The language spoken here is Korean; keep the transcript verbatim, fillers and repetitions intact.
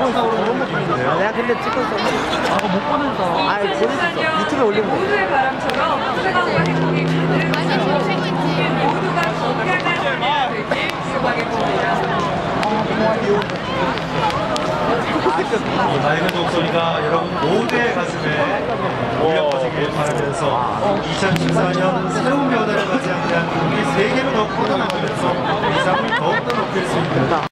아, 내가 근데 찍었어. 아, 그거 못 보내줬어. 아, 보냈었어. 유튜브에 올린 거. 모두의 바람처럼 뜨거운 행복이 가득해서 모두가 건강한 하루가 되길 기원하겠습니다. 이 맑은 목소리가 여러분 모두의 가슴에 울려 퍼지길 바라면서 이천십사 년 새로운 변화를 맞이하는 우리 세계로 더 뻗어나가면서 위상을 더욱더 높일 수 있는